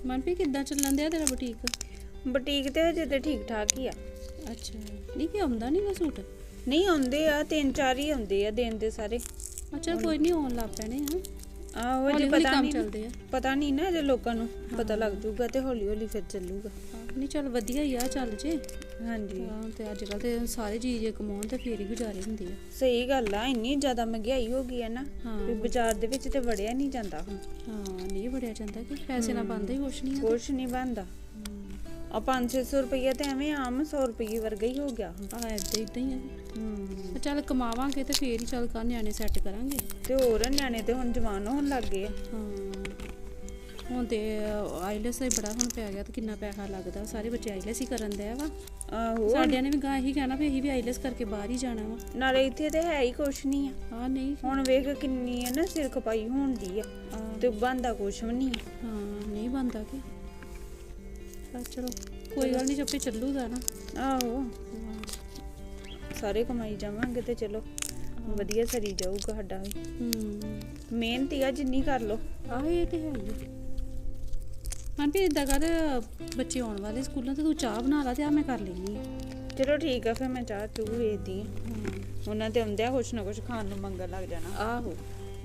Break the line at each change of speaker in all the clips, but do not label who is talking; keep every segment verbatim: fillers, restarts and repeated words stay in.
ਮਨਪ੍ਰੀਤ ਕਿੱਦਾਂ ਚੱਲਣ ਦਿਆ ਤੇਰਾ ਬੁਟੀਕ?
ਬੁਟੀਕ ਤੇ ਹਜੇ ਤੇ ਠੀਕ ਠਾਕ ਹੀ ਆ।
ਅੱਛਾ, ਨਹੀਂ ਕਿ ਆਉਂਦਾ ਨਹੀਂ ਵਾ ਸੂਟ?
ਨਹੀਂ ਆਉਂਦੇ ਆ, ਤਿੰਨ ਚਾਰ ਹੀ ਆਉਂਦੇ ਆ ਦਿਨ ਦੇ ਸਾਰੇ।
ਅੱਛਾ ਕੋਈ ਨਹੀਂ, ਆਉਣ ਲੱਗ ਪੈਣੇ ਆ।
ਆਹੋ ਜੇ ਪਤਾ ਨਹੀਂ
ਚੱਲਦੇ ਆ,
ਪਤਾ ਨਹੀਂ ਨਾ ਜੇ ਲੋਕਾਂ ਨੂੰ ਪਤਾ ਲੱਗ ਜੂਗਾ ਤੇ ਹੌਲੀ ਹੌਲੀ ਫਿਰ ਚੱਲੂਗਾ।
ਨਹੀਂ ਚੱਲ ਵਧੀਆ ਹੀ ਆ, ਚੱਲ ਜੇ।
ਹਾਂਜੀ
ਹਾਂ, ਤੇ ਅੱਜ ਕੱਲ ਤੇ ਸਾਰੇ ਜੀ ਜੇ ਕਮਾਉਣ ਤੇ ਫੇਰ ਹੀ ਗੁਜ਼ਾਰੇ ਹੁੰਦੇ ਆ।
ਸਹੀ ਗੱਲ ਆ, ਇੰਨੀ ਜ਼ਿਆਦਾ ਮਹਿੰਗਾਈ ਹੋ ਗਈ ਹੈ ਨਾ ਵੀ ਬਾਜ਼ਾਰ ਦੇ ਵਿੱਚ ਤੇ ਵੜਿਆ ਨਹੀਂ ਜਾਂਦਾ ਹੁਣ।
ਹਾਂ ਨਹੀਂ ਵੜਿਆ ਜਾਂਦਾ ਕਿ ਪੈਸੇ ਨਾਲ ਬਣਦਾ ਹੀ ਕੁਛ ਨਹੀਂ ਆ।
ਕੁਛ ਨਹੀਂ ਬਣਦਾ। ਆ ਪੰਜ ਛੇ ਸੌ ਰੁਪਈਆ ਤੇ ਐਵੇਂ ਆਮ ਸੌ ਰੁਪਈਏ ਵਰਗਾ ਹੀ ਹੋ ਗਿਆ ਹੁਣ।
ਆ ਏਦਾਂ ਏਦਾਂ ਹੀ ਆ।
ਹੂੰ
ਚੱਲ ਕਮਾਵਾਂਗੇ ਤੇ ਫੇਰ ਹੀ ਚੱਲ ਕਰ ਨਿਆਣੇ ਸੈੱਟ ਕਰਾਂਗੇ।
ਤੇ ਹੋਰ ਨਿਆਣੇ ਤੇ ਹੁਣ ਜਵਾਨ ਹੋਣ ਲੱਗ ਗਏ ਆ।
ਹਾਂ ਹੁਣ ਤੇ ਆਈਲੈਸ ਹੀ ਬੜਾ ਹੁਣ ਪੈ ਗਿਆ ਤੇ ਕਿੰਨਾ ਪੈਸਾ ਲੱਗਦਾ। ਸਾਰੇ ਬੱਚੇ ਆਈਲੈਸ ਹੀ ਕਰਨ ਦੇ ਵਾ।
ਆਹੋ
ਸਾਡਿਆਂ ਨੇ ਵੀ ਗਾਂ ਇਹੀ ਕਹਿਣਾ ਵੀ ਅਸੀਂ ਵੀ ਆਈਲੈਸ ਕਰਕੇ ਬਾਹਰ ਹੀ ਜਾਣਾ ਵਾ।
ਨਾਲੇ ਇੱਥੇ ਤੇ ਹੈ ਹੀ ਕੁਛ ਨਹੀਂ ਆ।
ਹਾਂ ਨਹੀਂ
ਹੁਣ ਵੇਖ ਕਿੰਨੀ ਹੈ ਨਾ ਸਿਰ ਖਪਾਈ ਹੋਣ ਦੀ ਆ ਤੇ ਬਣਦਾ ਕੁਛ ਵੀ ਨਹੀਂ ਆ।
ਹਾਂ ਨਹੀਂ ਬਣਦਾ ਕਿ ਚਲੋ ਕੋਈ ਗੱਲ ਨਹੀਂ, ਚੱਪੇ ਚੱਲੂਗਾ ਨਾ।
ਆਹੋ ਸਾਰੇ ਕਮਾਈ ਜਾਵਾਂਗੇ ਤੇ ਚਲੋ ਵਧੀਆ ਸਰੀ ਜਾਊਗਾ ਸਾਡਾ ਵੀ।
ਹੂੰ
ਮਿਹਨਤ ਹੀ ਆ ਜਿੰਨੀ ਕਰ ਲੋ।
ਆਹ ਇਹ ਤੇ ਹੈ ਹੀ। ਹਾਂ ਵੀ ਇਦਾਂ ਕਰ, ਬੱਚੇ ਆਉਣ ਵਾਲੇ ਸਕੂਲਾਂ ਤੇ ਤੂੰ ਚਾਹ ਬਣਾ ਲਾ ਤੇ ਆ ਮੈਂ ਕਰ ਲੈਣੀ ਆ।
ਚਲੋ ਠੀਕ ਆ, ਫਿਰ ਮੈਂ ਚਾਹ ਚੂਹ ਵੇਚਦੀ ਆ। ਉਹਨਾਂ ਤੇ ਆਉਂਦਿਆਂ ਕੁਛ ਨਾ ਕੁਛ ਖਾਣ ਨੂੰ ਮੰਗਣ ਲੱਗ ਜਾਣਾ।
ਆਹੋ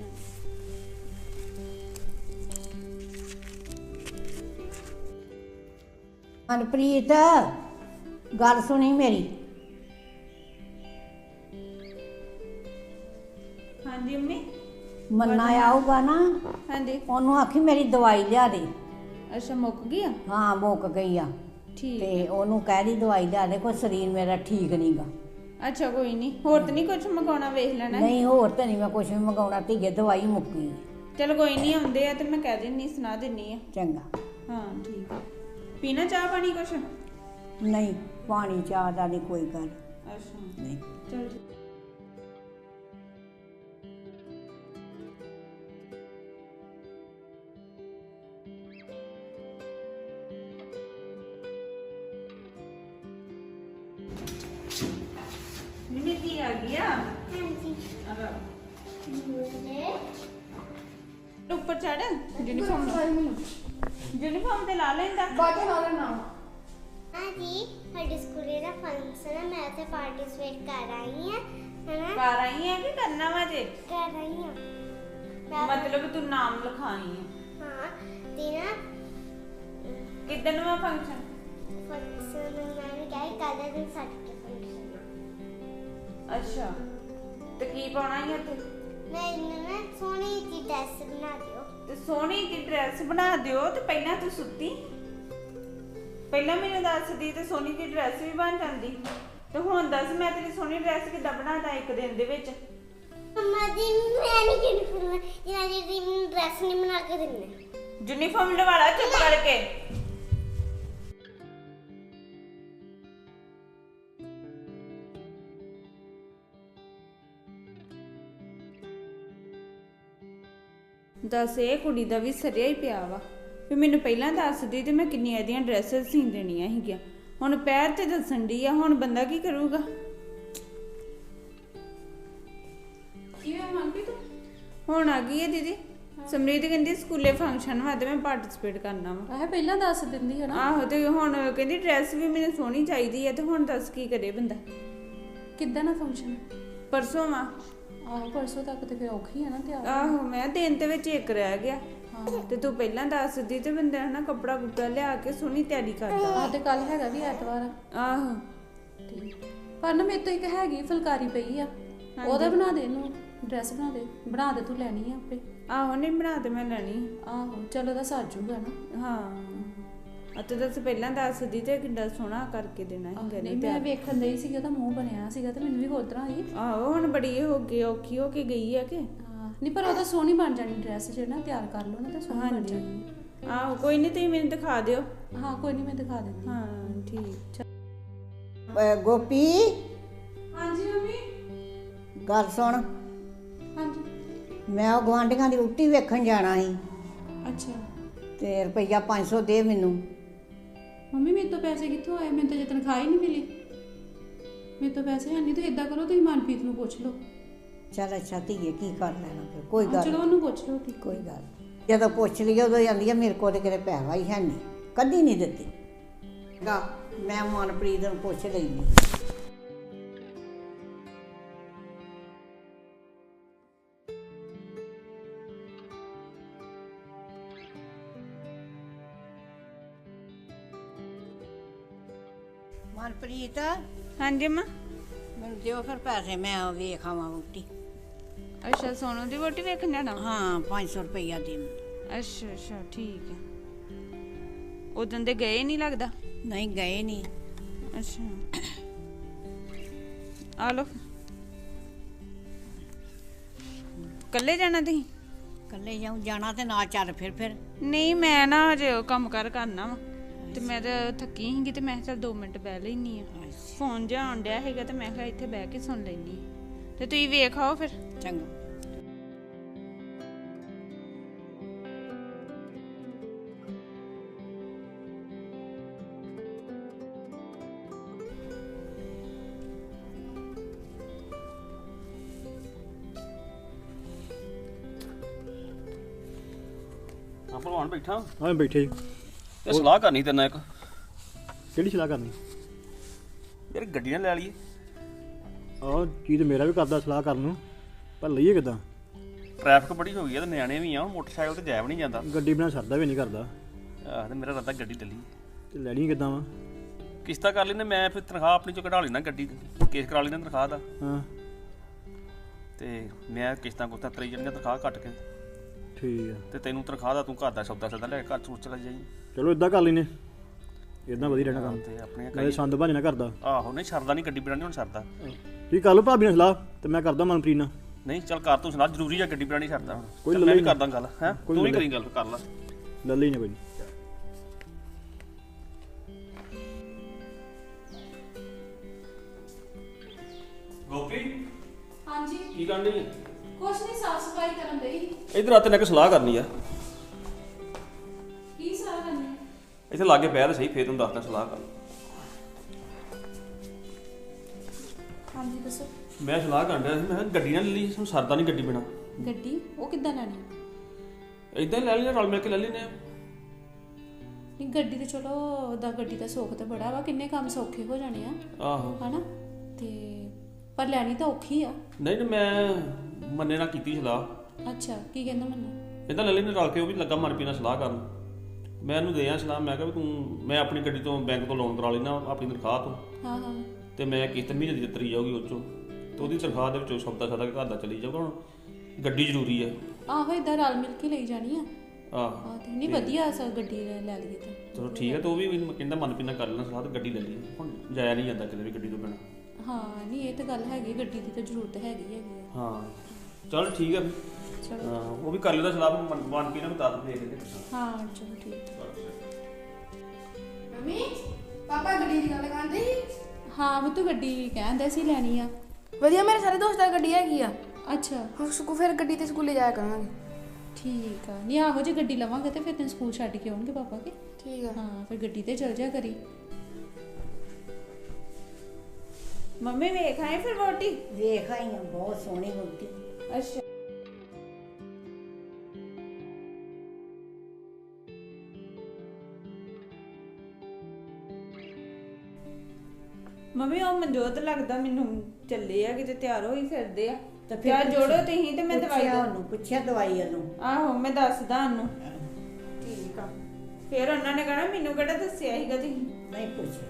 ਮਨਪ੍ਰੀਤ ਗੱਲ ਸੁਣੀ ਮੇਰੀ।
ਹਾਂਜੀ ਮੰਮੀ।
ਮੰਨਾ ਆਊਗਾ ਨਾ,
ਹਾਂਜੀ
ਉਹਨੂੰ ਆਖੀ ਮੇਰੀ ਦਵਾਈ ਲਿਆ ਦੇ।
ਅੱਛਾ ਮੁੱਕ ਗਈ ਆ?
ਹਾਂ ਮੁੱਕ ਗਈ ਆ।
ਠੀਕ
ਤੇ ਉਹਨੂੰ ਕਹਿ ਦੀ ਦਵਾਈ ਲਿਆ ਦੇ, ਕੋਈ ਸਰੀਰ ਮੇਰਾ ਠੀਕ ਨਹੀਂਗਾ।
ਅੱਛਾ ਕੋਈ ਨਹੀਂ, ਹੋਰ ਤਾਂ ਨਹੀਂ ਕੁਛ ਮੰਗਾਉਣਾ, ਵੇਖ ਲੈਣਾ।
ਨਹੀਂ ਹੋਰ ਤਾਂ ਨਹੀਂ ਮੈਂ ਕੁਛ ਵੀ ਮੰਗਾਉਣਾ, ਧੀਏ ਦਵਾਈ ਮੁੱਕੀ।
ਚਲ ਕੋਈ ਨਹੀਂ, ਆਉਂਦੇ ਆ ਤੇ ਮੈਂ ਕਹਿ ਦਿੰਨੀ, ਸੁਣਾ ਦਿੰਨੀ ਆ।
ਚੰਗਾ।
ਹਾਂ ਠੀਕ ਆ। ਪੀਣਾ ਚਾਹ ਪਾਣੀ ਕੁਛ?
ਨਹੀਂ ਪਾਣੀ ਚਾਹ ਦਾ ਨਹੀਂ ਕੋਈ ਗੱਲ।
ਅੱਛਾ
ਨਹੀਂ
ਚਲ ਨਿਮਿਤੀ ਆ ਗਿਆ।
ਹਾਂਜੀ
ਅਰੇ
ਨੇ
ਉੱਪਰ ਚੜ। ਯੂਨੀਫਾਰਮ ਯੂਨੀਫਾਰਮ ਤੇ ਲਾ ਲੈਂਦਾ।
ਬਾਕੀ ਲਾ ਲੈਣਾ।
ਹਾਂਜੀ ਸਾਡੇ ਸਕੂਲੇ ਦਾ ਫੰਕਸ਼ਨ ਹੈ, ਮੈਂ ਤੇ ਪਾਰਟਿਸਿਪੇਟ ਕਰ ਰਹੀ ਹਾਂ ਹੈਨਾ।
ਕਰ ਆਈ ਹੈ ਕਿ ਕਰਨਾ ਵਾ ਜੇ?
ਕਰ ਰਹੀ ਹਾਂ
ਮਤਲਬ ਤੂੰ ਨਾਮ ਲਿਖਾਈ ਹੈ?
ਹਾਂ ਤੇ ਨਾ
ਕਿੱਦਣ ਵਾ ਫੰਕਸ਼ਨ?
ਫੰਕਸ਼ਨ ਮੈਂ ਵੀ ਕਿਹਾ ਕੱਲ੍ਹ ਦਾ ਦਿਨ ਸਾਡੇ ਫੰਕਸ਼ਨ ਆ।
ਅੱਛਾ ਤੇ ਕੀ ਪਾਉਣਾ ਹੈ ਉੱਥੇ?
ਮੈਂ ਇਹਨੂੰ ਨਾ ਸੋਹਣੀ ਜਿਹੀ ਡਰੈਸ ਬਣਾ ਦਿਓ।
ਤੇ ਸੋਹਣੀ ਜਿਹੀ ਡਰੈਸ ਬਣਾ ਦਿਓ। ਤੇ ਪਹਿਲਾਂ ਤੂੰ ਸੁੱਤੀ, ਪਹਿਲਾਂ ਮੈਨੂੰ ਦੱਸਦੀ ਤੇ ਸੋਹਣੀ ਜਿਹੀ ਡਰੈਸ ਵੀ ਬਣ ਜਾਂਦੀ। ਤੇ ਹੁਣ ਦੱਸ ਮੈਂ ਤੇਰੀ ਸੋਹਣੀ ਡਰੈਸ ਕਿੱਦਾਂ ਬਣਾਦਾ ਇੱਕ ਦਿਨ ਦੇ ਵਿੱਚ?
ਮੰਮਾ ਜੀ ਮੈਂ ਨਹੀਂ ਯੂਨੀਫਾਰਮ ਜਿਹਨਾਂ ਦੀ ਮੈਨੂੰ ਡਰੈਸ ਨਹੀਂ ਬਣਾ ਕੇ ਦਿੰਦੇ।
ਯੂਨੀਫਾਰਮ ਲਵਾਲਾ ਚੁੱਪ ਕਰਕੇ। ਦੱਸ ਇਹ ਕੁੜੀ ਦਾ ਵੀ ਸਰਿਆ ਹੀ ਪਿਆ ਵਾ ਵੀ ਮੈਨੂੰ ਪਹਿਲਾਂ ਦੱਸਦੀ ਤੇ ਮੈਂ ਕਿੰਨੀਆਂ ਇਹਦੀਆਂ ਡਰੈਸਸ ਸੀ ਦੇਣੀਆਂ ਸੀਗੀਆਂ। ਹੁਣ ਪੈਰ ਤੇ ਦੱਸਣ ਦੀ ਆ, ਹੁਣ ਬੰਦਾ ਕੀ ਕਰੂਗਾ?
ਕਿਵੇਂ ਮੰਗਦੀ ਤੂੰ?
ਹੁਣ ਆ ਗਈ ਹੈ ਦੀਦੀ। ਸਮਰੀਤ ਕਹਿੰਦੀ ਸਕੂਲੇ ਫੰਕਸ਼ਨ ਵਾ ਤੇ ਮੈਂ ਪਾਰਟਿਸਿਪੇਟ ਕਰਨਾ ਵਾ।
ਆਹ ਪਹਿਲਾਂ ਦੱਸ ਦਿੰਦੀ ਹੈ ਨਾ।
ਆਹੋ ਤੇ ਹੁਣ ਕਹਿੰਦੀ ਡਰੈਸ ਵੀ ਮੈਨੂੰ ਸੋਹਣੀ ਚਾਹੀਦੀ ਹੈ। ਤੇ ਹੁਣ ਦੱਸ ਕੀ ਕਰੇ ਬੰਦਾ?
ਕਿੱਦਾਂ ਨਾ ਫੰਕਸ਼ਨ?
ਪਰਸੋਂ ਵਾ।
ਆਹੋ ਪਰਸੋਂ ਤੱਕ ਤੇ ਫਿਰ ਔਖੀ ਹੈ ਨਾ ਤਿਆਰ।
ਆਹੋ ਮੈਂ ਦਿਨ ਦੇ ਵਿੱਚ ਇੱਕ ਰਹਿ ਗਿਆ। ਤੇ ਤੂੰ ਪਹਿਲਾਂ ਦੱਸਦੀ ਤੇ ਬੰਦਾ ਹਨਾ ਕੱਪੜਾ ਕੁੱਪੜਾ ਲਿਆ ਕੇ ਸੋਹਣੀ ਤਿਆਰੀ ਕਰਦਾ।
ਆਹ ਤੇ ਕੱਲ ਹੈਗਾ ਵੀ ਐਤਵਾਰ।
ਆਹੋ
ਠੀਕ ਪਰ ਨਾ ਮੇਰੇ ਤੋਂ ਇੱਕ ਹੈਗੀ ਫੁਲਕਾਰੀ ਪਈ ਆ, ਉਹਦਾ ਬਣਾ ਦੇ ਇਹਨੂੰ ਡਰੈਸ ਬਣਾ ਦੇ। ਬਣਾ ਦੇ ਤੂੰ ਲੈਣੀ ਆ ਆਪੇ?
ਆਹੋ ਨਹੀਂ ਬਣਾ ਤੇ ਮੈਂ ਲੈਣੀ।
ਆਹੋ ਚਲੋ ਉਹਦਾ ਸਰ ਜੂਗਾ ਨਾ।
ਹਾਂ ਅਤੇ ਦੱਸ ਪਹਿਲਾਂ ਦੱਸਦੀ ਤੇ ਕਿੱਡਾ ਸੋਹਣਾ ਕਰਕੇ ਦੇਣਾ ਸੀ।
ਨਹੀਂ ਮੈਂ ਵੇਖਣ ਦੇ ਹੀ ਸੀ, ਉਹਦਾ ਮੂੰਹ ਬਣਿਆ ਸੀਗਾ ਤੇ ਮੈਨੂੰ ਵੀ ਹੋਰ ਤਰ੍ਹਾਂ ਹੀ।
ਆਹੋ ਹੁਣ ਬੜੀ ਹੋ ਗਈ ਔਖੀ ਹੋ ਕੇ ਗਈ ਆ ਕਿ?
ਹਾਂ ਨਹੀਂ ਪਰ ਉਹਦਾ ਸੋਹਣੀ ਬਣ ਜਾਣੀ ਡਰੈਸ, ਜੇ ਨਾ ਤਿਆਰ ਕਰ ਲਓ ਨਾ ਤਾਂ ਸੋਹਣੀ ਬਣ ਜਾਣੀ।
ਆਹੋ ਕੋਈ ਨਹੀਂ, ਤੁਸੀਂ ਮੈਨੂੰ ਦਿਖਾ ਦਿਓ।
ਹਾਂ ਕੋਈ ਨਹੀਂ ਮੈਂ ਦਿਖਾ ਦਿੰਦੀ।
ਹਾਂ ਠੀਕ।
ਅਹ ਗੋਪੀ
ਹਾਂਜੀ ਮੰਮੀ।
ਗੱਲ ਸੁਣ,
ਹਾਂਜੀ
ਮੈਂ ਉਹ ਗੁਆਂਢੀਆਂ ਦੀ ਰੋਟੀ ਵੇਖਣ ਜਾਣਾ ਸੀ
ਅੱਛਾ।
ਤੇ ਰੁਪਈਆ ਪੰਜ ਸੌ ਦੇ ਮੈਨੂੰ।
ਮੰਮੀ ਮੇਰੇ ਤੋਂ ਪੈਸੇ ਕਿੱਥੋਂ ਆਏ? ਮੈਨੂੰ ਤਾਂ ਜੇ ਤਨਖਾਹ ਹੀ ਨਹੀਂ ਮਿਲੀ। ਮੇਰੇ ਤੋਂ ਪੈਸੇ ਹੈ ਨਹੀਂ ਤੇ ਇਦਾਂ ਕਰੋ ਤੁਸੀਂ ਮਨਪ੍ਰੀਤ ਨੂੰ ਪੁੱਛ ਲਓ।
ਚੱਲ ਅੱਛਾ ਧੀਏ ਕੀ ਕਰ ਲੈਣਾ ਫਿਰ, ਕੋਈ ਗੱਲ
ਚਲੋ ਉਹਨੂੰ ਪੁੱਛ ਲਓ। ਠੀਕ
ਕੋਈ ਗੱਲ ਜਦੋਂ ਪੁੱਛ ਲਈਏ ਉਦੋਂ ਜਾਂਦੀ ਆ ਮੇਰੇ ਕੋਲ ਤੇ ਕਿਤੇ ਪੈਸਾ ਹੀ ਹੈ ਨਹੀਂ, ਕਦੀ ਨਹੀਂ ਦਿੱਤੀ ਗਾ। ਮੈਂ ਮਨਪ੍ਰੀਤ ਨੂੰ ਪੁੱਛ ਲੈਂਦੀ। ਮਨਪ੍ਰੀਤ
ਹਾਂਜੀ ਮਾਂ।
ਮੈਨੂੰ ਦਿਓ ਫਿਰ ਪੈਸੇ, ਮੈਂ ਵੇਖ ਆਵਾਂ ਵਹੁਟੀ।
ਅੱਛਾ ਸੋਨੂ ਦੀ ਵੋਟੀ ਵੇਖਣ ਜਾਣਾ।
ਹਾਂ ਪੰਜ ਸੌ ਰੁਪਈਆ ਦੇ ਮੈਨੂੰ।
ਅੱਛਾ ਅੱਛਾ ਠੀਕ ਹੈ। ਉਦੋਂ ਦੇ ਗਏ ਨਹੀਂ ਲੱਗਦਾ।
ਨਹੀਂ ਗਏ ਨਹੀਂ।
ਅੱਛਾ ਆ ਲੋ। ਕੱਲੇ ਜਾਣਾ ਤੁਸੀਂ?
ਇਕੱਲੇ ਜਾਉਂ ਜਾਣਾ ਤੇ ਨਾਲ ਚੱਲ ਫਿਰ ਫਿਰ
ਨਹੀਂ ਮੈਂ ਨਾ ਹਜੇ ਉਹ ਕੰਮ ਕਰ ਕਰਨਾ ਵਾ ਤੇ ਮੈਂ ਤਾਂ ਥੱਕੀ ਸੀਗੀ ਤੇ ਮੈਂ ਕਿਹਾ ਚੱਲ ਦੋ ਮਿੰਟ ਬਹਿ ਲੈਣੀ ਆ। ਫੋਨ ਜਿਹਾ ਆਉਣ ਡਿਆ ਹੈਗਾ ਤੇ ਮੈਂ ਕਿਹਾ ਇੱਥੇ ਬਹਿ ਕੇ ਸੁਣ ਲੈਣੀ ਤੇ ਤੁਸੀਂ ਵੇਖ ਆਓ ਫਿਰ।
ਚੰਗਾ।
ਹਾਂ ਭਲਵਾਨ ਬੈਠਾ।
ਹਾਂ ਬੈਠੇ ਜੀ।
ਇਹ ਸਲਾਹ ਕਰਨੀ ਤੇਰੇ ਨਾਲ ਇੱਕ।
ਕਿਹੜੀ ਸਲਾਹ ਕਰਨੀ?
ਯਾਰ ਗੱਡੀ ਨਾ ਲੈ ਲਈਏ।
ਆਹ ਚੀਜ਼ ਮੇਰਾ ਵੀ ਕਰਦਾ ਸਲਾਹ ਕਰਨ ਨੂੰ, ਪਰ ਲਈਏ ਕਿੱਦਾਂ?
ਟ੍ਰੈਫਿਕ ਬੜੀ ਹੋ ਗਈ ਆ ਤੇ ਨਿਆਣੇ ਵੀ ਆ, ਮੋਟਰਸਾਈਕਲ ਤੇ ਜਾਇਆ ਵੀ ਨਹੀਂ ਜਾਂਦਾ।
ਗੱਡੀ ਬਿਨਾਂ ਸਰਦਾ ਵੀ ਨਹੀਂ ਕਰਦਾ।
ਆਹ ਤੇ ਮੇਰਾ ਰੱਦਾ ਗੱਡੀ ਲੈ ਲਈਏ।
ਤੇ ਲੈਣੀ ਕਿੱਦਾਂ ਵਾ?
ਕਿਸ਼ਤਾਂ ਕਰ ਲੈਨੇ, ਮੈਂ ਫਿਰ ਤਨਖਾਹ ਆਪਣੀ ਚੋਂ ਕਢਾ ਲੈਣਾ, ਗੱਡੀ ਕੇਸ ਕਰਾ ਲੈਣਾ ਤਨਖਾਹ ਦਾ।
ਹਾਂ
ਤੇ ਮੈਂ ਕਿਸ਼ਤਾਂ ਕੁਸ਼ਤਾਂ ਤਰੀ ਜਾਣੀਆਂ ਤਨਖਾਹ ਕੱਟ ਕੇ।
ਠੀਕ ਆ।
ਤੇ ਤੈਨੂੰ ਤਨਖਾਹ ਦਾ ਤੂੰ ਘਰ ਦਾ ਸੌਦਾ ਸੌਦਾ ਲੈ ਕੇ ਘਰ ਸੋਚ ਚਲਾ ਜਾਈ।
ਚਲੋ ਇਦਾਂ ਕਰ ਲੈਨੇ, ਇਦਾਂ ਵਧੀਆ ਰਹਿਣਾ ਕੰਮ।
ਤੇ ਆਪਣੀਆਂ
ਨਾਲੇ ਸੰਦ ਭਾਜਣਾ ਕਰਦਾ।
ਆਹੋ ਨਹੀਂ ਸਰਦਾ ਨਹੀਂ, ਗੱਡੀ ਬਣਾਉਣੀ ਹੁਣ ਸਰਦਾ।
ਠੀਕ ਕਰ ਲਓ ਭਾਬੀ ਨਾਲ ਸਲਾਹ ਤੇ ਮੈਂ ਕਰਦਾ ਮਨਪ੍ਰੀਤ ਨਾਲ।
ਨਹੀਂ ਚੱਲ ਕਰ ਤੂੰ ਸੁਣਾ, ਜ਼ਰੂਰੀ ਆ ਗੱਡੀ ਬਣਾਉਣੀ ਸਰਦਾ ਹੁਣ।
ਕੋਈ
ਚੱਲ ਮੈਂ ਵੀ
ਲੱਲੇ
ਕਰਦਾ ਗੱਲ ਹੈ,
ਕੋਈ
ਤੂੰ ਵੀ
ਲੱਲੇ।
ਕਰੀ ਗੱਲ ਕਰ ਲਾ।
ਲੈ ਲਈ ਨਾ ਕੋਈ ਨੀ।
ਗੋਪੀ
ਹਾਂਜੀ
ਕੀ ਕਰਨ ਡਈ?
ਕੁਛ ਨਹੀਂ, ਸਾਫ ਸਫਾਈ ਕਰਨ ਲਈ।
ਇਧਰ ਆ, ਤੈਨੂੰ ਇੱਕ ਸਲਾਹ ਕਰਨੀ ਆ।
ਕੀ ਸਾਰਾ ਕਰਨੀ?
ਇੱਥੇ ਲਾਗੇ ਬਹਿ ਤੇ ਸਹੀ, ਫੇਰ ਤੈਨੂੰ ਦੱਸਦਾ ਸਲਾਹ ਕਰ।
ਹਾਂਜੀ ਦੱਸੋ।
ਮੈਂ ਸਲਾਹ ਕਰਨ ਡਿਆ ਸੀ, ਮੈਂ ਕਿਹਾ ਗੱਡੀ ਨਾ ਲੈ ਲਈ, ਸਾਨੂੰ ਸਰਦਾ ਨਹੀਂ ਗੱਡੀ ਬਿਨਾਂ।
ਗੱਡੀ ਉਹ ਕਿੱਦਾਂ ਲੈਣੀ?
ਇਦਾਂ ਹੀ ਲੈ ਲੈਣੇ, ਰਲ ਮਿਲ ਕੇ ਲੈ ਲੈਣੇ ਆ।
ਨਹੀਂ ਗੱਡੀ ਤੇ ਚਲੋ ਉਹਦਾ ਗੱਡੀ ਦਾ ਸੁੱਖ ਤੇ ਬੜਾ ਵਾ, ਕਿੰਨੇ ਕੰਮ ਸੌਖੇ ਹੋ ਜਾਣੇ ਆ
ਆਹੋ
ਹਨਾ। ਤੇ ਪਰ ਲੈਣੀ ਤਾਂ ਔਖੀ ਆ।
ਨਹੀਂ ਨਹੀਂ, ਮੈਂ ਮੰਨੇ ਨਾਲ ਕੀਤੀ ਸਲਾਹ।
ਅੱਛਾ ਕੀ ਕਹਿੰਦਾ ਮੈਨੂੰ?
ਕਹਿੰਦਾ ਲੈ ਲੈਣੇ ਰਲ ਕੇ, ਉਹ ਵੀ ਲੱਗਾ ਮਨਪ੍ਰੀਤ ਨਾਲ ਸਲਾਹ ਕਰਨ। ਮੈਂ ਇਹਨੂੰ ਦੇ ਆ ਸਲਾਹ, ਮੈਂ ਕਿਹਾ ਵੀ ਤੂੰ, ਮੈਂ ਆਪਣੀ ਗੱਡੀ ਤੋਂ ਬੈਂਕ ਤੋਂ ਲੋਨ ਕਰਾ ਲੈਣਾ ਆਪਣੀ ਤਨਖਾਹ ਤੋਂ।
ਹਾਂ ਹਾਂ
ਤੇ ਮੈਂ ਕਿਸ਼ਤ ਮਹੀਨੇ ਦੀ ਦਿੱਤੀ ਜਾਊਗੀ ਉਹ ਚੋਂ, ਤੇ ਉਹਦੀ ਤਨਖਾਹ ਦੇ ਵਿੱਚੋਂ ਸੌਦਾ ਸਾਦਾ ਘਰ ਦਾ ਚਲੀ ਜਾਊਗਾ। ਹੁਣ ਗੱਡੀ ਜ਼ਰੂਰੀ ਹੈ।
ਆਹੋ ਇਦਾਂ ਰਲ ਮਿਲ ਕੇ ਲਈ ਜਾਣੀ ਆ।
ਆਹ
ਹਾਂ ਤੇ ਨਹੀਂ ਵਧੀਆ ਸਰ ਗੱਡੀ ਲੈ ਲੈ ਲਈਏ ਤਾਂ।
ਚਲੋ ਠੀਕ ਹੈ, ਤੇ ਉਹ ਵੀ ਮੈਨੂੰ ਕਹਿੰਦਾ ਮਨਪ੍ਰੀਤ ਨਾਲ ਕਰ ਲੈਣਾ ਸਲਾਹ ਤੇ ਗੱਡੀ ਲੈ ਲਈ। ਹੁਣ ਜਾਇਆ ਨਹੀਂ ਜਾਂਦਾ ਕਿਤੇ ਵੀ ਗੱਡੀ ਤੋਂ ਬਿਨਾਂ।
ਹਾਂ ਨਹੀਂ ਇਹ ਤਾਂ ਗੱਲ ਹੈਗੀ, ਗੱਡੀ ਦੀ ਤਾਂ ਜ਼ਰੂਰਤ ਹੈਗੀ ਹੈਗੀ ਆ।
ਹਾਂ ਚਲ ਠੀਕ ਹੈ।
ਚਲੋ
ਹਾਂ ਉਹ ਵੀ ਕਰ ਲੈਂਦਾ ਸਲਾਹ, ਮਨ ਮਨ ਕੇ ਨਾ ਬਤਾ ਦੇ ਦੇ।
ਹਾਂ ਚਲੋ ਠੀਕ।
ਮੰਮੀ ਪਾਪਾ ਗੱਡੀ ਦੀ ਗੱਲ ਕਰਦੇ ਸੀ।
ਹਾਂ ਉਹ ਤੂੰ ਗੱਡੀ ਕਹਿੰਦੇ ਸੀ ਲੈਣੀ ਆ।
ਵਧੀਆ, ਮੇਰੇ ਸਾਰੇ ਦੋਸਤਾਂ ਦੀ ਗੱਡੀ ਹੈਗੀ ਆ।
ਅੱਛਾ
ਹੁਣ ਸਕੂ ਫਿਰ ਗੱਡੀ ਤੇ ਸਕੂਲੇ ਜਾਇਆ ਕਰਾਂਗੇ।
ਠੀਕ ਆ। ਨਹੀਂ ਆਹੋ ਜੇ ਗੱਡੀ ਲਵਾਂਗੇ ਤੇ ਫਿਰ ਤੈਨੂੰ ਸਕੂਲ ਛੱਡ ਕੇ ਆਉਣਗੇ ਪਾਪਾ ਕੇ।
ਠੀਕ ਆ।
ਹਾਂ ਫਿਰ ਗੱਡੀ ਤੇ ਚਲ ਜਾ ਕਰੀ।
ਮੰਮੀ ਵੇਖ ਆਏ ਫਿਰ ਵੋਟੀ?
ਵੇਖ ਆਈ ਆ, ਬਹੁਤ ਸੋਹਣੀ ਵਹੁਟੀ।
ਅੱਛਾ ਮੰਮੀ ਉਹ ਮਨਜੋਤ ਲੱਗਦਾ ਮੈਨੂੰ ਚੱਲੇ ਆ ਕਿਤੇ, ਤਿਆਰ ਹੋਈ ਫਿਰਦੇ ਆ।
ਤੇ ਫਿਰ
ਤਿਆਰ ਜੋੜੋ ਤੁਸੀਂ ਤੇ ਮੈਂ ਦਵਾਈ
ਪੁੱਛਿਆ
ਦੇ-
ਉਹਨੂੰ, ਪੁੱਛਿਆ ਦਵਾਈ ਉਹਨੂੰ।
ਆਹੋ ਮੈਂ ਦੱਸਦਾ ਉਹਨੂੰ। ਠੀਕ ਆ। ਫਿਰ ਉਹਨਾਂ ਨੇ ਕਹਿਣਾ ਮੈਨੂੰ ਕਿਹੜਾ ਦੱਸਿਆ ਸੀਗਾ ਤੁਸੀਂ।
ਨਹੀਂ ਪੁੱਛਿਆ।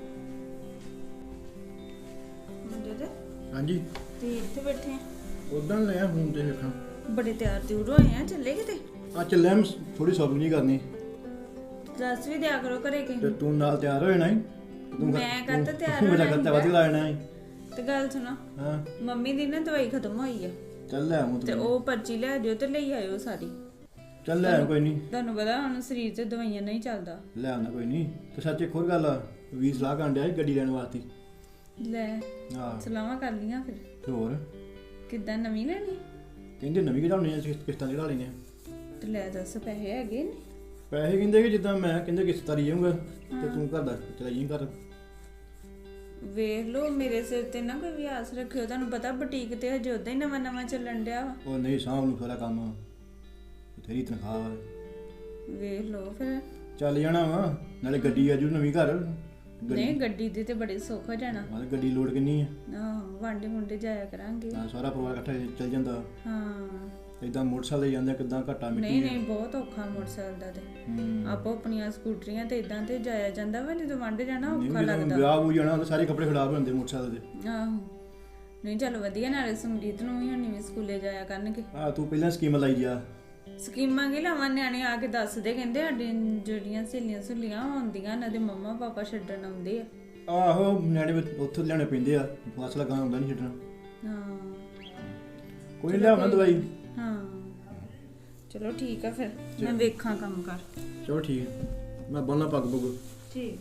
ਮਨਜੋਤ
ਹਾਂਜੀ
ਤੁਸੀਂ ਇੱਥੇ ਬੈਠੇ ਆ?
ਉਦਾਂ ਲਿਆ ਹੁਣ ਤੇ ਵੇਖਾਂ।
ਬੜੇ ਤਿਆਰ ਤਿਉਰ ਹੋਏ ਆ, ਚੱਲੇ ਕਿਤੇ?
ਆ ਚੱਲਿਆ, ਮੈਂ ਥੋੜੀ ਸ਼ਾਪਿੰਗ ਨਹੀਂ ਕਰਨੀ
ਦੱਸ ਵੀ ਦਿਆ ਕਰੋ ਘਰੇ ਕਿ
ਤੇ ਤੂੰ ਨਾਲ ਤਿਆਰ ਹੋ ਜਾਣਾ ਸੀ। ਤੂੰ
ਮੈਂ ਕਾਹਤੋਂ ਤਿਆਰ
ਮੇਰਾ
ਹੋਣਾ
ਕਰਤਾ ਵਧੀ ਲਾਣਾ ਸੀ।
ਤੇ ਗੱਲ ਸੁਣਾ,
ਹਾਂ
ਮੰਮੀ ਦੀ ਨਾ ਦਵਾਈ ਖਤਮ ਹੋਈ ਆ
ਚੱਲ ਲੈ ਆਉਂ
ਤੇ
ਤੂੰ।
ਉਹ ਪਰਚੀ ਲੈ ਜਾਓ ਤੇ ਲਈ ਆਇਓ ਸਾਰੀ।
ਚੱਲ ਲੈ ਆਉਂ, ਕੋਈ ਨਹੀਂ
ਤੁਹਾਨੂੰ ਪਤਾ ਹੁਣ ਸਰੀਰ 'ਚ ਦਵਾਈਆਂ ਨਹੀਂ ਚੱਲਦਾ।
ਲੈ ਆਉਣਾ ਕੋਈ ਨਹੀਂ। ਤੇ ਸੱਚ ਇੱਕ ਹੋਰ ਗੱਲ ਆ, ਵੀ ਸਲਾਹ ਕਰਨ ਡਿਆ ਸੀ ਗੱਡੀ ਲੈਣ ਵਾਸਤੇ।
ਲੈ
ਹਾਂ
ਸਲਾਹਾਂ ਕਰ ਲੀਆਂ ਫਿਰ?
ਤੇ ਹੋਰ
ਕਿੱਦਾਂ ਨਵੀਂ ਲੈਣੀ?
ਕਹਿੰਦੇ ਨਵੀਂ ਕਢਾਉਣੀ ਆ, ਕਿਸ਼ਤਾਂ ਕਢਾ ਲੈਣੀਆਂ।
ਤੇ ਲੈ ਦੱਸ ਪੈਸੇ ਹੈਗੇ ਨੇ?
ਪੈਸੇ ਕਹਿੰਦੇ ਕਿ ਜਿੱਦਾਂ ਮੈਂ ਕਹਿੰਦੇ ਕਿਸ਼ਤ ਤਾਰੀ ਜਾਊਂਗਾ ਤੇ ਤੂੰ ਘਰ ਦਾ ਚਲਾਈ ਘਰ।
ਵੇਖ ਲਓ ਮੇਰੇ ਸਿਰ ਤੇ ਨਾ ਕੋਈ ਵਿਆਸ ਰੱਖਿਓ, ਤੁਹਾਨੂੰ ਪਤਾ ਬੁਟੀਕ ਤੇ ਹਜੇ ਉਦਾਂ ਹੀ ਨਵਾਂ ਨਵਾਂ ਚੱਲਣ ਡਿਆ ਵਾ।
ਉਹ ਨਹੀਂ ਸਾਂਭ ਨੂੰ ਸਾਰਾ ਕੰਮ। ਤੇਰੀ ਤਨਖਾਹ ਵਾ।
ਵੇਖ ਲਓ ਫਿਰ।
ਚੱਲ ਜਾਣਾ ਵਾ, ਨਾਲੇ ਗੱਡੀ ਆਜੂ ਨਵੀਂ ਘਰ।
ਨਹੀਂ ਗੱਡੀ ਦੇ ਤੇ ਬੜੇ ਸੁੱਖ ਹੋ ਜਾਣਾ।
ਹਾਂ ਗੱਡੀ ਲੋਡ ਕਿੰਨੀ ਆ?
ਆਹੋ ਵਾਂਡੇ ਮੁੰਡੇ ਜਾਇਆ ਕਰਾਂਗੇ।
ਹਾਂ ਸਾਰਾ ਪਰਿਵਾਰ ਇਕੱਠਾ ਚੱਲ ਜਾਂਦਾ।
ਹਾਂ
ਇਦਾਂ ਮੋਟਰਸਾਈਕਲ ਤੇ ਜਾਂਦੇ ਕਿਦਾਂ ਘੱਟਾ ਮਿੱਟੀ।
ਨਹੀਂ ਨਹੀਂ ਬਹੁਤ ਔਖਾ ਮੋਟਰਸਾਈਕਲ ਦਾ ਤੇ ਆਪੋ ਆਪਣੀਆਂ ਸਕੂਟਰੀਆਂ ਤੇ ਇਦਾਂ ਤੇ ਜਾਇਆ ਜਾਂਦਾ ਵਾ, ਜਦੋਂ ਵਾਂਡੇ ਜਾਣਾ ਔਖਾ ਲੱਗਦਾ।
ਵਿਆਹ ਹੋ ਜਾਣਾ ਤਾਂ ਸਾਰੇ ਕੱਪੜੇ ਖਰਾਬ ਹੁੰਦੇ ਮੋਟਰਸਾਈਕਲ ਦੇ।
ਆਹੋ ਨਹੀਂ ਚਲੋ ਵਧੀਆ, ਨਾਲੇ ਸਮਰੀਤ ਨੂੰ ਵੀ ਹੁਣ ਵੀ ਸਕੂਲੇ ਜਾਇਆ ਕਰਨਗੇ।
ਆ ਤੂੰ ਪਹਿਲਾਂ ਸਕੀਮ ਲਾਈ ਜਾ।
ਸਕੀਮਾਂ ਕੀ ਲਾਵਾਂ, ਨਿਆਣੇ ਆ ਕੇ ਦੱਸਦੇ ਕਹਿੰਦੇ ਸਾਡੀਆਂ ਜਿਹੜੀਆਂ ਸਹੇਲੀਆਂ ਸੁਲੀਆਂ ਆਉਂਦੀਆਂ ਇਹਨਾਂ ਦੇ ਮੰਮਾ ਪਾਪਾ ਛੱਡਣ ਆਉਂਦੇ ਆ।
ਆਹੋ ਨਿਆਣੇ ਉੱਥੋਂ ਲਿਆਉਣੇ ਪੈਂਦੇ ਆ, ਫਸ ਲਗਾ ਹੁੰਦਾ ਨਹੀਂ ਛੱਡਣਾ।
ਹਾਂ
ਕੋਈ ਨਹੀਂ ਲਿਆਉਣਾ ਦਵਾਈ।
ਹਾਂ ਚਲੋ ਠੀਕ ਆ, ਫਿਰ ਮੈਂ ਵੇਖਾਂ ਕੰਮ ਕਰ।
ਚਲੋ ਠੀਕ, ਮੈਂ ਬੰਨਾ ਪੱਗ ਪੁੱਗ।
ਠੀਕ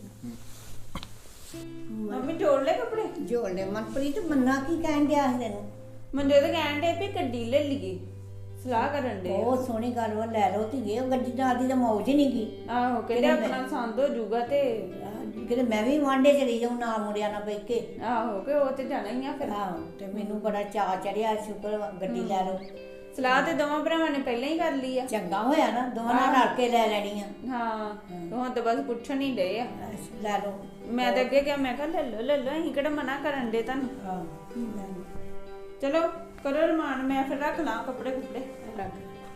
ਮੰਮੀ ਜੋੜ ਲੈ ਕੱਪੜੇ।
ਜੋੜ ਲੈ ਮਨਪ੍ਰੀਤ, ਮੰਨਾ ਕੀ ਕਹਿਣ ਡਿਆ ਸੀ ਤੈਨੂੰ?
ਮੰਦੇ ਤਾਂ ਕਹਿਣ ਡੇ ਵੀ ਗੱਡੀ ਲੈ ਲਈਏ, ਸਲਾਹ ਕਰਨ ਦੇ।
ਬਹੁਤ ਸੋਹਣੀ ਗੱਲ ਵਾ, ਲੈ ਲਓ ਧੀਏ, ਉਹ ਗੱਡੀ ਨਾਲ ਦੀ ਤਾਂ ਮੌਜ ਹੀ ਨਹੀਂ ਗਈ।
ਆਹੋ ਕਹਿੰਦੇ ਆਪਣਾ ਸੰਦ ਹੋ ਜਾਊਗਾ ਤੇ
ਕਿਤੇ ਮੈਂ ਵੀ ਵਾਂਡੇ ਚਲੀ ਜਾਊਂ ਨਾ ਮੁੰਡਿਆਂ ਨਾਲ ਬੈਠ ਕੇ।
ਆਹੋ ਕਿ ਉਹ ਤੇ ਜਾਣਾ ਹੀ ਆ ਫਿਰ।
ਆਹੋ ਤੇ ਮੈਨੂੰ ਬੜਾ ਚਾਅ ਚੜਿਆ, ਸ਼ੁਕਰ ਵਾ, ਗੱਡੀ ਲੈ ਲਓ।
ਸਲਾਹ ਤੇ ਦੋਵਾਂ ਭਰਾਵਾਂ ਨੇ ਪਹਿਲਾਂ ਹੀ ਕਰ ਲਈ ਆ।
ਚੰਗਾ ਹੋਇਆ ਨਾ, ਦੋਵਾਂ ਨਾਲ ਰਲ ਕੇ ਲੈ ਲੈਣੀ ਆ।
ਹਾਂ ਹੁਣ ਤਾਂ ਬਸ ਪੁੱਛਣ ਹੀ ਡਏ ਆ।
ਲੈ ਲਓ।
ਮੈਂ ਤਾਂ ਅੱਗੇ ਕਿਹਾ, ਮੈਂ ਕਿਹਾ ਲੈ ਲਓ ਲੈ ਲਓ, ਅਸੀਂ ਕਿਹੜਾ ਮਨਾ ਕਰਨ ਦੇ ਤੁਹਾਨੂੰ।
ਹਾਂ
ਚਲੋ ਕਰੋ ਰਮਾਨ, ਮੈਂ ਫਿਰ ਰੱਖ ਲਾਂ ਕੱਪੜੇ ਕੁੱਪੜੇ।
ਰੱਖ।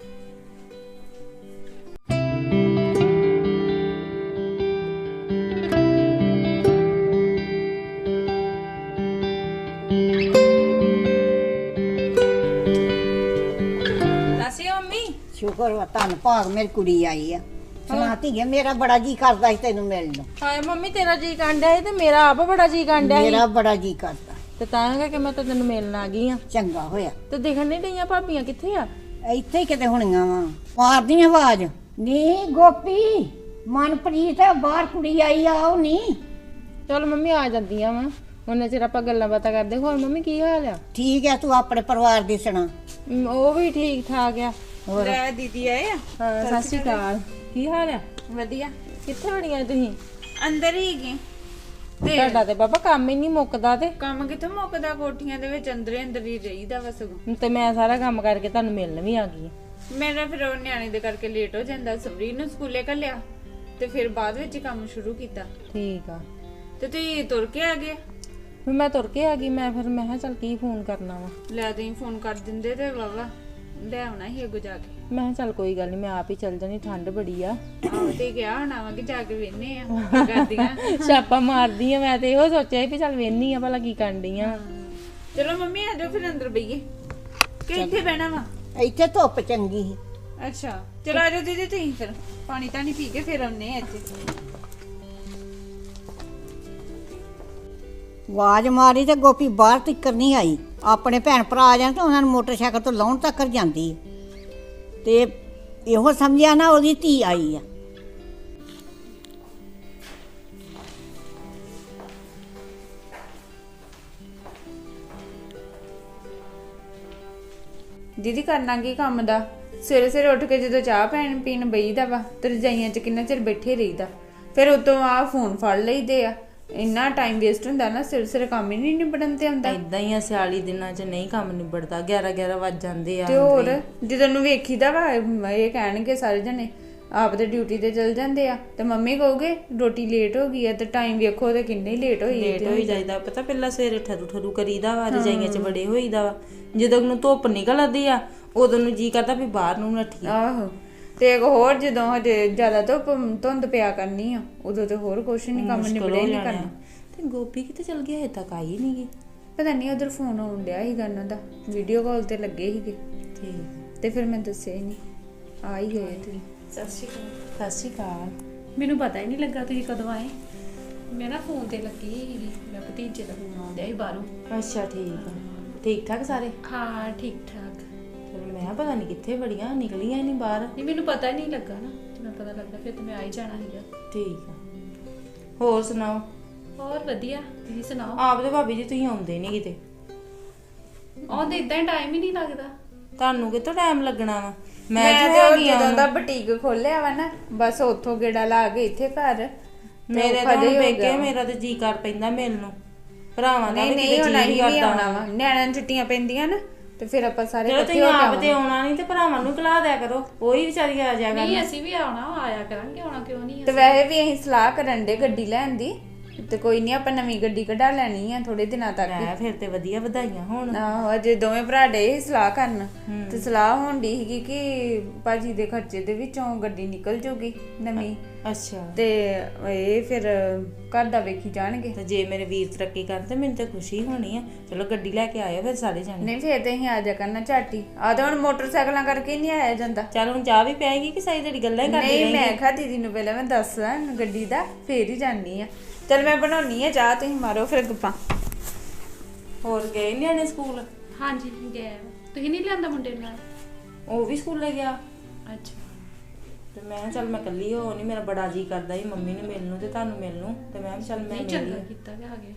ਸ਼ੁਕਰ ਵਾ, ਧੰਨ ਭਾਗ ਮੇਰੀ ਕੁੜੀ ਆਈ ਆ। ਸੁਣਾ ਧੀਏ, ਮੇਰਾ ਬੜਾ ਜੀ ਕਰਦਾ ਸੀ ਤੈਨੂੰ ਮਿਲਣ ਨੂੰ।
ਹਾਏ ਮੰਮੀ ਤੇਰਾ ਜੀ ਕਾਂਡਿਆ ਸੀ ਤੇ ਮੇਰਾ ਆਪ ਬੜਾ ਜੀ ਕਾਂਡਿਆ ਸੀ।
ਮੇਰਾ ਬੜਾ ਜੀ ਕਰਦਾ
ਤੇ ਤਾਂ ਕਿ ਮੈਂ ਤਾਂ ਤੈਨੂੰ ਮਿਲਣ ਆ ਗਈ ਆ।
ਚੰਗਾ ਹੋਇਆ।
ਤੇ ਦੇਖਣ ਨਹੀਂ ਡਈਆਂ ਭਾਬੀਆਂ ਕਿੱਥੇ ਆ?
ਇੱਥੇ ਹੀ ਕਿਤੇ ਹੋਣੀਆਂ ਵਾ। ਮਾਰਦੀ ਆਵਾਜ਼, ਨੀ ਗੋਪੀ ਮਨਪ੍ਰੀਤ ਬਾਹਰ ਕੁੜੀ ਆਈ ਆ, ਉਹ ਨਹੀਂ।
ਚਲ ਮੰਮੀ ਆ ਜਾਂਦੀਆਂ ਵਾ, ਉਹਨੇ ਚਿਰ ਆਪਾਂ ਗੱਲਾਂ ਬਾਤਾਂ ਕਰਦੇ। ਹੋਰ ਮੰਮੀ ਕੀ ਹਾਲ ਆ?
ਠੀਕ ਆ, ਤੂੰ ਆਪਣੇ ਪਰਿਵਾਰ ਦੀ ਸੁਣਾ।
ਮ, ਉਹ ਵੀ ਠੀਕ ਠਾਕ ਆ।
ਲੈ ਦੀਦੀ ਆਏ ਆ।
ਹਾਂ ਸਤਿ ਸ਼੍ਰੀ ਅਕਾਲ, ਕੀ ਹਾਲ ਆ?
ਵਧੀਆ।
ਕਿੱਥੇ ਹੋਣੀਆਂ ਤੁਸੀਂ?
ਅੰਦਰ ਹੀ ਗਏ ਤੇ
ਤੁਹਾਡਾ ਤੇ ਬਾਬਾ ਕੰਮ ਹੀ ਨਹੀਂ ਮੁੱਕਦਾ। ਤੇ
ਕੰਮ ਕਿੱਥੇ ਮੁੱਕਦਾ, ਕੋਠੀਆਂ ਦੇ ਵਿੱਚ ਅੰਦਰੇ ਅੰਦਰ ਹੀ ਰਹੀਦਾ ਵਾ ਸਗੋਂ।
ਤੇ ਮੈਂ ਸਾਰਾ ਕੰਮ ਕਰਕੇ ਤੁਹਾਨੂੰ ਮਿਲਣ ਵੀ ਆ ਗਈ।
ਮੇਰਾ ਫਿਰ ਉਹ ਨਿਆਣੇ ਦੇ ਕਰਕੇ ਲੇਟ ਹੋ ਜਾਂਦਾ। ਸਬਰੀ ਨੂੰ ਸਕੂਲੇ ਘੱਲਿਆ ਤੇ ਫਿਰ ਬਾਅਦ ਵਿੱਚ ਹੀ ਕੰਮ ਸ਼ੁਰੂ ਕੀਤਾ।
ਠੀਕ ਆ।
ਤੇ ਤੁਸੀਂ ਤੁਰ ਕੇ ਆ ਗਏ?
ਫਿਰ ਮੈਂ ਤੁਰ ਕੇ ਆ ਗਈ। ਮੈਂ ਫਿਰ ਮੈਂ ਕਿਹਾ ਚੱਲ ਕੀ ਫੋਨ ਕਰਨਾ ਵਾ।
ਲੈ ਤੁਸੀਂ ਫੋਨ ਕਰ ਦਿੰਦੇ ਤੇ ਵਾਵਾ ਲੈ ਆਉਣਾ ਸੀ ਅੱਗੋਂ ਜਾ ਕੇ।
ਮੈਂ ਕਿਹਾ ਚੱਲ ਕੋਈ ਗੱਲ ਨਹੀਂ, ਮੈਂ ਆਪ ਹੀ ਚੱਲ ਜਾਣੀ, ਠੰਡ ਬੜੀ ਆ।
ਆਹੋ ਤੇ ਗਿਆ ਹੋਣਾ ਵਾ ਕਿ ਜਾ ਕੇ ਵੇਨੇ ਆ ਕੀ ਕਰਦੀਆਂ।
ਛਾਪਾ ਮਾਰਦੀ ਆ। ਮੈਂ ਤੇ ਇਹੋ ਸੋਚਿਆ ਸੀ ਵੀ ਚੱਲ ਵੇਨੀ ਆ ਭਲਾ ਕੀ ਕਰਨ ਡਈ ਆ।
ਚਲੋ ਮੰਮੀ ਆ ਜਾਓ ਫਿਰ ਅੰਦਰ ਬਈਏ ਕਿ ਇੱਥੇ ਬਹਿਣਾ ਵਾ?
ਇੱਥੇ ਧੁੱਪ ਚੰਗੀ ਸੀ।
ਅੱਛਾ ਚਲੋ ਆ ਜਾਓ ਦੀਦੀ, ਤੁਸੀਂ ਫਿਰ ਪਾਣੀ ਤਾਂ ਨਹੀਂ ਪੀ ਕੇ ਫਿਰ ਆਉਨੇ ਆ ਇੱਥੇ।
ਆਵਾਜ਼ ਮਾਰੀ ਤੇ ਗੋਪੀ ਬਾਹਰ ਤੱਕ ਨਹੀਂ ਆਈ। ਆਪਣੇ ਭੈਣ ਭਰਾ ਆ ਜਾਣ ਤਾਂ ਉਹਨਾਂ ਨੂੰ ਮੋਟਰਸਾਈਕਲ ਤੋਂ ਲਾਉਣ ਤੱਕ ਜਾਂਦੀ ਤੇ ਇਹੋ ਸਮਝਿਆ ਨਾ ਉਹਦੀ ਧੀ ਆਈ ਆ।
ਦੀਦੀ ਕਰਨਾ ਕੀ ਕੰਮ ਦਾ? ਸਵੇਰੇ ਸਵੇਰੇ ਉੱਠ ਕੇ ਜਦੋਂ ਚਾਹ ਪੈਣ ਪੀਣ ਬਈਦਾ ਵਾ ਤੇ ਰਜਾਈਆਂ 'ਚ ਕਿੰਨਾ ਚਿਰ ਬੈਠੇ ਰਹੀਦਾ, ਫਿਰ ਉਤੋਂ ਆ ਫੋਨ ਫੜ ਲਈਦੇ ਆ। ਇੰਨਾ ਟਾਈਮ ਵੇਸਟ ਹੁੰਦਾ ਨਾ, ਸਿਰ ਸਿਰ ਕੰਮ ਹੀ ਨਹੀਂ ਨਿਬੜਨ ਤੇ ਆਉਂਦਾ।
ਇਦਾਂ ਹੀ ਆ, ਸਿਆਲੀ ਦਿਨਾਂ 'ਚ ਨਹੀਂ ਕੰਮ ਨਿਬੜਦਾ। ਗਿਆਰਾਂ ਗਿਆਰਾਂ ਵੱਜ ਜਾਂਦੇ ਆ।
ਤੇ ਹੋਰ ਜਦੋਂ ਨੂੰ ਵੇਖੀਦਾ ਵਾ ਇਹ ਕਹਿਣਗੇ ਸਾਰੇ ਜਣੇ ਆਪ ਤੇ ਡਿਊਟੀ ਤੇ ਚਲ ਜਾਂਦੇ ਆ ਤੇ ਮੰਮੀ ਕਹੋਗੇ ਰੋਟੀ ਲੇਟ ਹੋ ਗਈ ਆ ਤੇ ਟਾਈਮ ਵੇਖੋ ਤੇ ਕਿੰਨੇ ਲੇਟ ਹੋਈ
ਲੇਟ ਹੋਈ ਜਾਈਦਾ। ਪਤਾ ਪਹਿਲਾਂ ਸਵੇਰੇ ਠਰੂ ਠਰੂ ਕਰੀਦਾ ਵਾ, ਰਜਾਈਆਂ 'ਚ ਬੜੇ ਹੋਈਦਾ ਵਾ। ਜਦੋਂ ਨੂੰ ਧੁੱਪ ਨਿਕਲਦੀ ਆ ਉਦੋਂ ਨੂੰ ਜੀ ਕਰਦਾ ਵੀ ਬਾਹਰ ਨੂੰ ਨੱਠੀ।
ਆਹੋ ਤੇ ਇੱਕ ਹੋਰ ਜਦੋਂ ਹਜੇ ਜ਼ਿਆਦਾ ਧੁੱਪ ਧੁੰਦ ਪਿਆ ਕਰਨੀ ਆ ਉਦੋਂ ਤੇ ਹੋਰ ਕੁਛ ਨਹੀਂ, ਕੰਮ ਨਿਬੜੇ ਨਹੀਂ ਕਰਨਾ।
ਤੇ ਗੋਪੀ ਕਿਤੇ ਚਲ ਗਿਆ? ਹਜੇ ਤੱਕ ਆਈ ਨਹੀਂ ਗਈ।
ਪਤਾ ਨਹੀਂ ਉਧਰ ਫੋਨ ਆਉਣ ਡਿਆ ਸੀਗਾ ਉਹਨਾਂ ਦਾ, ਵੀਡੀਓ ਕਾਲ ਤੇ ਲੱਗੇ ਸੀਗੇ
ਠੀਕ।
ਤੇ ਫਿਰ ਮੈਂ ਦੱਸਿਆ ਹੀ ਨਹੀਂ, ਆ ਹੀ ਗਏ ਤੁਸੀਂ।
ਸਤਿ ਸ਼੍ਰੀ ਅਕਾਲ।
ਸਤਿ ਸ਼੍ਰੀ ਅਕਾਲ।
ਮੈਨੂੰ ਪਤਾ ਹੀ ਨਹੀਂ ਲੱਗਾ ਤੁਸੀਂ ਕਦੋਂ ਆਏ। ਮੈਂ ਨਾ ਫੋਨ ਤੇ ਲੱਗੀ ਸੀਗੀ, ਮੈਂ ਭਤੀਜੇ ਦਾ ਫੋਨ ਆਉਂਦਿਆ ਸੀ ਬਾਹਰੋਂ।
ਅੱਛਾ ਠੀਕ ਆ। ਠੀਕ ਠਾਕ ਸਾਰੇ?
ਹਾਂ ਠੀਕ ਠਾਕ।
ਚਲੋ ਮੈਂ ਪਤਾ ਨਹੀਂ ਕਿੱਥੇ ਬੜੀਆਂ ਨਿਕਲੀਆਂ ਨਹੀਂ ਬਾਹਰ।
ਨਹੀਂ ਮੈਨੂੰ ਪਤਾ ਨਹੀਂ ਲੱਗਾ ਨਾ, ਜੇ ਮੈਂ ਪਤਾ ਲੱਗਾ ਫਿਰ ਤਾਂ ਮੈਂ ਆ ਹੀ ਜਾਣਾ ਸੀਗਾ।
ਠੀਕ ਆ। ਹੋਰ ਸੁਣਾਓ?
ਹੋਰ ਵਧੀਆ, ਤੁਸੀਂ ਸੁਣਾਓ?
ਆਪ ਤੇ ਭਾਬੀ ਜੀ ਤੁਸੀਂ ਆਉਂਦੇ ਨਹੀਂ ਕਿਤੇ।
ਆਉਂਦੇ ਇਦਾਂ ਟਾਈਮ ਹੀ ਨਹੀਂ ਲੱਗਦਾ।
ਤੁਹਾਨੂੰ ਕਿਤੋਂ ਟਾਈਮ ਲੱਗਣਾ ਵਾ?
ਮੈਂ ਤੇ ਉਹ ਜਦੋਂ ਦਾ ਬੁਟੀਕ ਖੋਲਿਆ ਵਾ ਨਾ, ਬਸ ਉੱਥੋਂ ਗੇੜਾ ਲਾ ਕੇ ਇੱਥੇ ਘਰ
ਮੇਰੇ ਤਾਂ ਹੁਣ ਵੇਖੇ, ਮੇਰਾ ਤੇ ਜੀ ਕਰ ਪੈਂਦਾ ਮਿਲਣ ਨੂੰ। ਭਰਾਵਾਂ ਦਾ
ਨਹੀਂ ਨਹੀਂ ਹੁਣ ਅਸੀਂ ਵੀ ਆਉਣਾ ਵਾ। ਨਿਆਣਿਆਂ ਨੂੰ ਛੁੱਟੀਆਂ ਪੈਂਦੀਆਂ ਨਾ, ਤੇ ਫਿਰ ਆਪਾਂ ਸਾਰੇ
ਚਲੋ
ਇਕੱਠੇ
ਤੁਸੀਂ
ਹੋ ਕੇ
ਆਪ ਤੇ
ਆਵਾਂਗੇ।
ਆਉਣਾ ਨਹੀਂ ਤੇ ਭਰਾਵਾਂ ਨੂੰ ਕਲਾ ਦਿਆ ਕਰੋ, ਉਹੀ ਵਿਚਾਰੀ ਆ ਜਾਇਆ
ਨਹੀਂ
ਕਰਨ।
ਅਸੀਂ ਵੀ ਆਉਣਾ, ਆਇਆ ਕਰਾਂਗੇ, ਆਉਣਾ ਕਿਉਂ ਨਹੀਂ।
ਤੇ ਵੈਸੇ ਵੀ ਅਸੀਂ ਸਲਾਹ ਕਰਨ ਦੇ ਗੱਡੀ ਲੈਣ ਦੀ, ਤੇ ਕੋਈ ਨਹੀਂ ਆਪਾਂ ਨਵੀਂ ਗੱਡੀ ਕਢਾ ਲੈਣੀ ਆ ਥੋੜੇ ਦਿਨਾਂ ਤੱਕ ਹੀ।
ਲੈ ਫਿਰ ਤੇ ਵਧੀਆ, ਵਧਾਈਆਂ ਹੋਣ।
ਆਹੋ ਅਜੇ ਦੋਵੇਂ ਭਰਾ ਡੇ ਸੀ ਸਲਾਹ ਕਰਨ, ਤੇ ਸਲਾਹ ਹੋਣ ਦੀ ਸੀਗੀ ਕਿ ਭਾਜੀ ਦੇ ਖਰਚੇ ਦੇ ਵਿੱਚੋਂ ਗੱਡੀ ਨਿਕਲ ਜੂਗੀ ਨਵੀਂ,
ਅੱਛਾ
ਤੇ ਇਹ ਫਿਰ ਘਰ ਦਾ ਵੇਖੀ ਜਾਣਗੇ।
ਤੇ ਜੇ ਮੇਰੇ ਵੀਰ ਤਰੱਕੀ ਕਰਨ ਤੇ ਮੈਨੂੰ ਤਾਂ ਖੁਸ਼ੀ ਹੋਣੀ ਆ। ਚਲੋ ਗੱਡੀ ਲੈ ਕੇ ਆਇਓ ਫਿਰ ਸਾਰੇ ਜਾਣੇ।
ਨਹੀਂ ਫਿਰ ਤੇ ਅਸੀਂ ਆ ਜਾ ਕਰਨਾ ਝਾਟੀ, ਆ ਤਾਂ ਹੁਣ ਮੋਟਰਸਾਈਕਲਾਂ ਕਰਕੇ ਨਹੀਂ ਆਇਆ ਜਾਂਦਾ।
ਚੱਲ ਹੁਣ ਚਾਹ ਵੀ ਪਿਆਏਗੀ ਕਿ ਸਾਰੀ ਜਿਹੜੀ ਗੱਲਾਂ ਹੀ ਕਰਦੀ
ਨਹੀਂ
ਰਹੇਂਗੀ?
ਮੈਂ ਕਿਹਾ ਦੀਦੀ ਨੂੰ ਪਹਿਲਾਂ ਮੈਂ ਦੱਸਾਂ ਗੱਡੀ ਦਾ, ਫੇਰ ਹੀ ਜਾਣੀ ਆ। ਚਲ ਮੈਂ ਬਣਾਉਣੀ ਆ ਚਾਹ, ਤੁਸੀਂ ਮਾਰੋ ਫਿਰ ਗੱਪਾਂ।
ਹੋਰ ਗਏ ਨਿਆਣੇ ਸਕੂਲ?
ਹਾਂਜੀ ਗਿਆ। ਤੁਸੀਂ ਨਹੀਂ ਲਿਆਂਦਾ ਮੁੰਡੇ ਨੂੰ ਨਾਲ?
ਉਹ ਵੀ ਸਕੂਲੇ ਗਿਆ।
ਅੱਛਾ।
ਤੇ ਮੈਂ ਕਿਹਾ ਚੱਲ ਮੈਂ ਇਕੱਲੀ ਹੋ ਨਹੀਂ, ਮੇਰਾ ਬੜਾ ਜੀ ਕਰਦਾ ਸੀ ਮੰਮੀ ਨੂੰ ਮਿਲਣ ਨੂੰ ਤੇ ਤੁਹਾਨੂੰ ਮਿਲਣ ਨੂੰ, ਤੇ ਮੈਂ ਕਿਹਾ ਚੱਲ ਮੈਂ
ਨਹੀਂ
ਮਿਲ
ਚੰਗਾ
ਲਈ।
ਕੀਤਾ ਕਿ ਆ ਗਏ।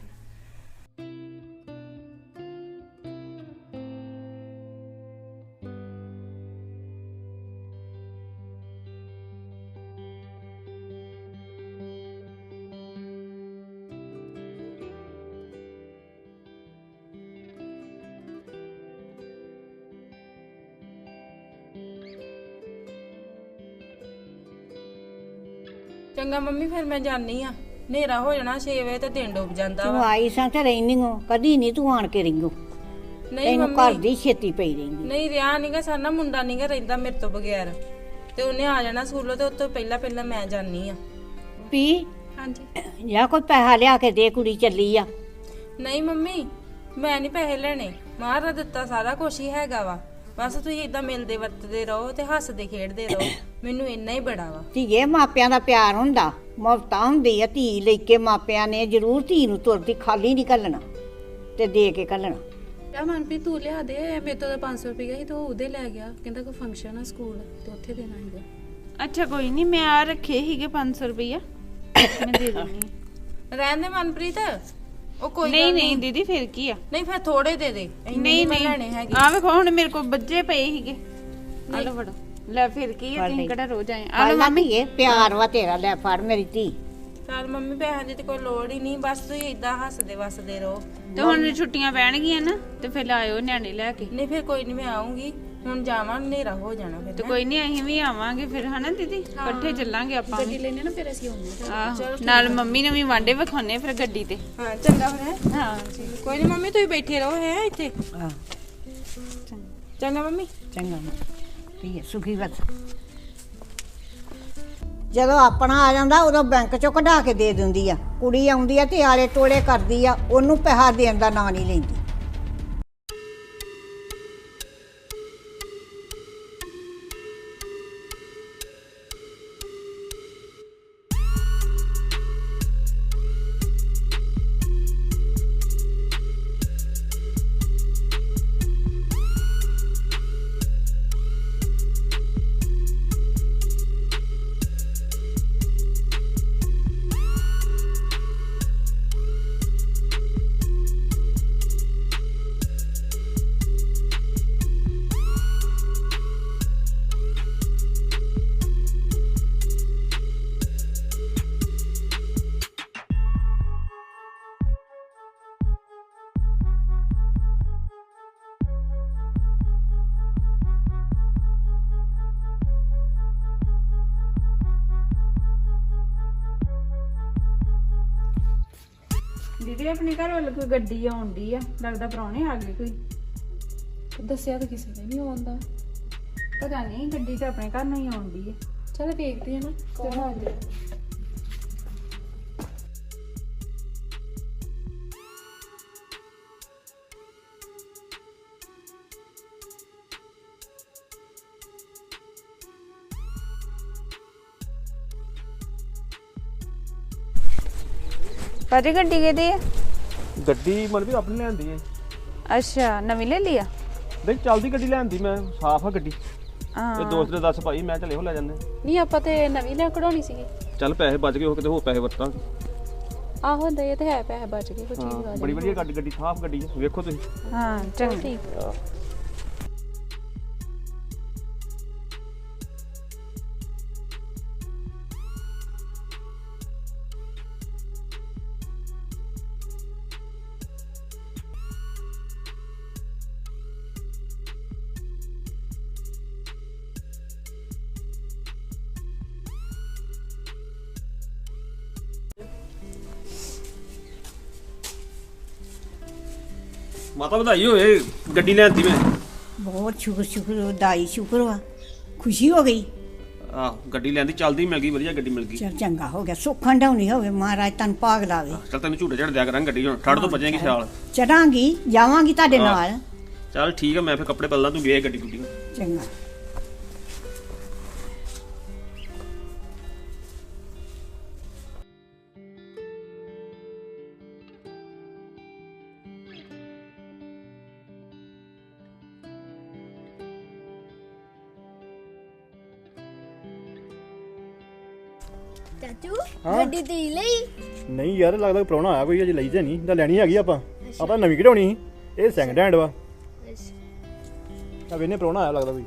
ਚੰਗਾ ਮੰਮੀ ਫਿਰ ਮੈਂ ਜਾਣੀ ਆ, ਹਨੇਰਾ ਹੋ ਜਾਣਾ ਛੇ ਵਜੇ ਤੇ ਦਿਨ ਡੁੱਬ ਜਾਂਦਾ
ਤੂੰ
ਵਾ।
ਆਈ ਸਾਂ ਤੇ ਰਹਿਨੀ ਹੋ, ਕਦੀ ਨਹੀਂ ਤੂੰ ਆਣ ਕੇ ਰਹਿੰਗੋ।
ਨਹੀਂ
ਤੈਨੂੰ ਘਰ
ਮੰਮੀ
ਦੀ ਛੇਤੀ ਪਈ ਰਹਿੰਦੀ।
ਨਹੀਂ ਰਿਆ ਨਹੀਂਗਾ, ਸਾਡਾ ਮੁੰਡਾ ਨਹੀਂਗਾ ਰਹਿੰਦਾ ਮੇਰੇ ਤੋਂ ਬਗੈਰ, ਤੇ ਉਹਨੇ ਆ ਜਾਣਾ ਸਕੂਲੋਂ, ਤੇ ਉਤੋਂ ਪਹਿਲਾਂ ਪਹਿਲਾਂ ਮੈਂ ਜਾਣੀ ਆ।
ਪੀ
ਹਾਂਜੀ।
ਜਾਂ ਕੋਈ ਪੈਸਾ ਲਿਆ ਕੇ ਦੇ, ਕੁੜੀ ਚੱਲੀ ਆ।
ਨਹੀਂ ਮੰਮੀ ਮੈਂ ਨਹੀਂ ਪੈਸੇ ਲੈਣੇ, ਮਹਾਰਾਜ ਦਿੱਤਾ ਸਾਰਾ ਕੁਝ ਹੀ ਹੈਗਾ ਵਾ, ਬਸ ਤੁਸੀਂ ਇਦਾਂ ਮਿਲਦੇ ਵਰਤਦੇ ਰਹੋ ਤੇ ਹੱਸਦੇ ਖੇਡਦੇ ਰਹੋ, ਮੈਨੂੰ ਇੰਨਾ ਹੀ ਬੜਾ ਵਾ।
ਧੀਏ ਮਾਪਿਆਂ ਦਾ ਪਿਆਰ ਹੁੰਦਾ, ਮਮਤਾ ਹੁੰਦੀ ਆ। ਧੀ ਲੈ ਕੇ ਮਾਪਿਆਂ ਨੇ ਜ਼ਰੂਰ ਧੀ ਨੂੰ ਤੁਰਦੀ ਖਾਲੀ ਨਹੀਂ ਘੱਲਣਾ ਤੇ ਦੇ ਕੇ ਘੱਲਣਾ।
ਕਿਆ ਮਨਪ੍ਰੀਤ ਤੂੰ ਲਿਆ ਦੇ, ਮੇਰੇ ਤੋਂ ਤਾਂ ਪੰਜ ਸੌ ਰੁਪਏ ਸੀ ਤੇ ਉਹ ਉਹਦੇ ਲੈ ਗਿਆ, ਕਹਿੰਦਾ ਕੋਈ ਫੰਕਸ਼ਨ ਆ ਸਕੂਲ ਤੇ ਉੱਥੇ ਦੇਣਾ ਸੀਗਾ।
ਅੱਛਾ ਕੋਈ ਨਹੀਂ, ਮੈਂ ਆ ਰੱਖੇ ਸੀਗੇ ਪੰਜ ਸੌ ਰੁਪਈਆ, ਮੈਂ ਦੇ ਦਿੰਦੀ
ਰਹਿਣ ਦੇ ਮਨਪ੍ਰੀਤ, ਉਹ ਕੋਈ
ਨਹੀਂ
ਗੱਲ
ਨਹੀਂ ਦੀਦੀ ਫਿਰ ਕੀ ਆ।
ਨਹੀਂ ਫਿਰ ਥੋੜੇ ਦੇ ਦੇ, ਇੰਨੇ
ਨਹੀਂ
ਮੈਂ
ਨਹੀਂ
ਲੈਣੇ ਹੈਗੇ।
ਆ ਵੇਖੋ ਹੁਣ ਮੇਰੇ ਕੋਲ ਬੱਜੇ ਪਏ ਸੀਗੇ, ਆ ਲਓ ਫੜੋ। ਲੈ ਫਿਰ ਕੀ ਆ, ਤੁਸੀਂ ਕਿਹੜਾ ਰੋਜ਼ ਆਏ। ਆ ਲਓ
ਆਲਾ
ਮੰਮੀ।
ਧੀਏ ਪਿਆਰ ਵਾ ਤੇਰਾ, ਲੈ ਫੜ ਮੇਰੀ ਧੀ।
ਚੱਲ ਮੰਮੀ ਪੈਸਿਆਂ ਦੀ ਤੇ ਕੋਈ ਲੋੜ ਹੀ ਨਹੀਂ, ਬਸ ਤੁਸੀਂ ਇਦਾਂ ਹੱਸਦੇ ਵਸਦੇ ਰਹੋ।
ਤੇ ਹੁਣ ਛੁੱਟੀਆਂ ਪੈਣਗੀਆਂ ਨਾ, ਤੇ ਫਿਰ ਆਇਓ ਨਿਆਣੇ ਲੈ ਕੇ।
ਨਹੀਂ ਫਿਰ ਕੋਈ ਨਹੀਂ ਮੈਂ ਆਉਂਗੀ, ਹੁਣ ਜਾਵਾਂ ਹਨੇਰਾ ਹੋ ਜਾਣਾ ਫਿਰ।
ਤੇ ਕੋਈ ਨਹੀਂ ਅਸੀਂ ਵੀ ਆਵਾਂਗੇ ਫਿਰ, ਹਨਾ ਦੀਦੀ, ਇਕੱਠੇ ਚੱਲਾਂਗੇ ਆਪਾਂ
ਗੱਡੀ
ਵੀ।
ਲੈਣੇ ਨਾ ਫਿਰ ਅਸੀਂ ਆਉਂਦੇ।
ਆਹੋ, ਨਾਲ ਮੰਮੀ ਨੂੰ ਵੀ ਵਾਂਡੇ ਵਿਖਾਉਣੇ ਫਿਰ ਗੱਡੀ ਤੇ।
ਹਾਂ ਚੰਗਾ ਫਿਰ।
ਹਾਂ
ਕੋਈ ਨਹੀਂ ਮੰਮੀ ਤੁਸੀਂ ਬੈਠੇ ਰਹੋ ਹੈ ਇੱਥੇ।
ਆਹ
ਚੰਗਾ ਮੰਮੀ।
ਚੰਗਾ ਧੀਏ ਸੁਖੀ ਵਤ। ਜਦੋਂ ਆਪਣਾ ਆ ਜਾਂਦਾ ਉਦੋਂ ਬੈਂਕ ਚੋਂ ਕਢਾ ਕੇ ਦੇ ਦਿੰਦੀ ਆ। ਕੁੜੀ ਆਉਂਦੀ ਆ ਤੇ ਆਲੇ ਟੋਲੇ ਕਰਦੀ ਆ, ਉਹਨੂੰ ਪੈਸਾ ਦੇਣ ਦਾ ਨਾਂ ਨਹੀਂ ਲੈਂਦੀ।
ਦੀਦੀ ਆਪਣੇ ਘਰ ਵੱਲ ਕੋਈ ਗੱਡੀ ਆਉਂਦੀ ਆ, ਲੱਗਦਾ ਪ੍ਰਾਹੁਣੇ ਆ ਗਏ ਕੋਈ।
ਦੱਸਿਆ ਤਾਂ ਕਿਸੇ ਨੇ ਨਹੀਂ ਆਉਂਦਾ।
ਪਤਾ ਨਹੀਂ, ਗੱਡੀ ਤਾਂ ਆਪਣੇ ਘਰ ਨੂੰ ਹੀ ਆਉਂਦੀ ਆ।
ਚਲ ਵੇਖਦੇ ਆ ਨਾ।
ਚਲੋ ਆ ਜਾਓ। ਭਾਜੀ ਗੱਡੀ ਕਿਹਦੀ ਆ?
ਗੱਡੀ ਮਨ ਵੀ ਆਪਣੀ ਲੈਂਦੀ ਹੈ।
ਅੱਛਾ ਨਵੀਂ ਲੈ ਲਈ ਆ?
ਨਹੀਂ ਚੱਲਦੀ ਗੱਡੀ ਲੈਂਦੀ ਮੈਂ, ਸਾਫ਼ ਆ ਗੱਡੀ।
ਹਾਂ
ਤੇ ਦੋਸਤ ਨੇ ਦੱਸ ਭਾਈ, ਮੈਂ ਚੱਲੇ ਹੋ ਲੈ ਜਾਂਦੇ।
ਨਹੀਂ ਆਪਾਂ ਤੇ ਨਵੀਂ ਲੈ ਕਢਾਉਣੀ ਸੀਗੀ।
ਚੱਲ ਪੈਸੇ ਬਚ ਗਏ, ਉਹ ਕਿਤੇ ਹੋਰ ਪੈਸੇ ਵਰਤਾਂਗੇ।
ਆਹੋ ਦੇ ਤੇ ਹੈ, ਪੈਸੇ ਬਚ ਗਏ, ਕੋਈ ਚੀਜ਼ ਆ
ਬੜੀ ਵਧੀਆ ਗੱਡੀ, ਗੱਡੀ ਸਾਫ਼ ਗੱਡੀ ਹੈ, ਵੇਖੋ ਤੁਸੀਂ।
ਹਾਂ ਚੰਗਾ।
ਠੀਕ ਆ।
ਮਾਤਾ ਵਧਾਈ ਹੋਏ ਗੱਡੀ ਲੈਂਦੀ ਮੈਂ।
ਬਹੁਤ ਸ਼ੁਕਰ ਸ਼ੁਕਰ ਦਾਈ ਸ਼ੁਕਰ ਵਾ ਖੁਸ਼ੀ ਹੋ ਗਈ।
ਆਹ ਗੱਡੀ ਲੈਂਦੀ ਚੱਲਦੀ ਮਿਲ ਗਈ, ਵਧੀਆ ਗੱਡੀ ਮਿਲ ਗਈ।
ਚਲ ਚੰਗਾ ਹੋ ਗਿਆ, ਸੁੱਖ ਹੰਡਾਉਣੀ ਹੋਵੇ ਮਹਾਰਾਜ ਤਨ ਭਾਗ ਲਾਵੇ।
ਚੱਲ ਤੈਨੂੰ ਝੂਟੇ ਝੜ ਦਿਆ ਕਰਾਂਗੇ ਗੱਡੀ ਹੁਣ, ਠੜ ਤੋਂ ਭੱਜੇਗੀ ਸਿਆਲ।
ਚੜਾਂਗੀ ਜਾਵਾਂਗੀ ਤੁਹਾਡੇ ਨਾਲ।
ਚੱਲ ਠੀਕ ਆ, ਮੈਂ ਫਿਰ ਕੱਪੜੇ ਬਦਲਾਂ, ਤੂੰ ਵੇਖ ਗੱਡੀ ਗੁੱਡੀ।
ਚੰਗਾ।
ਚਾਚੂ ਗੱਡੀ ਤੇ ਲਈ
ਨਹੀਂ ਯਾਰ, ਲੱਗਦਾ ਪ੍ਰਾਹੁਣਾ ਆਇਆ ਕੋਈ, ਅਜੇ ਲਈ ਤੇ ਨਹੀਂ, ਤਾਂ ਲੈਣੀ ਹੈਗੀ ਆਪਾਂ। ਆਪਾਂ ਨਵੀਂ ਕਢਾਉਣੀ ਸੀ, ਇਹ ਸੈਕਿੰਡ ਹੈਂਡ ਵਾ। ਆ ਵੇਨੇ ਪ੍ਰਾਹੁਣਾ ਆਇਆ ਲੱਗਦਾ ਕੋਈ।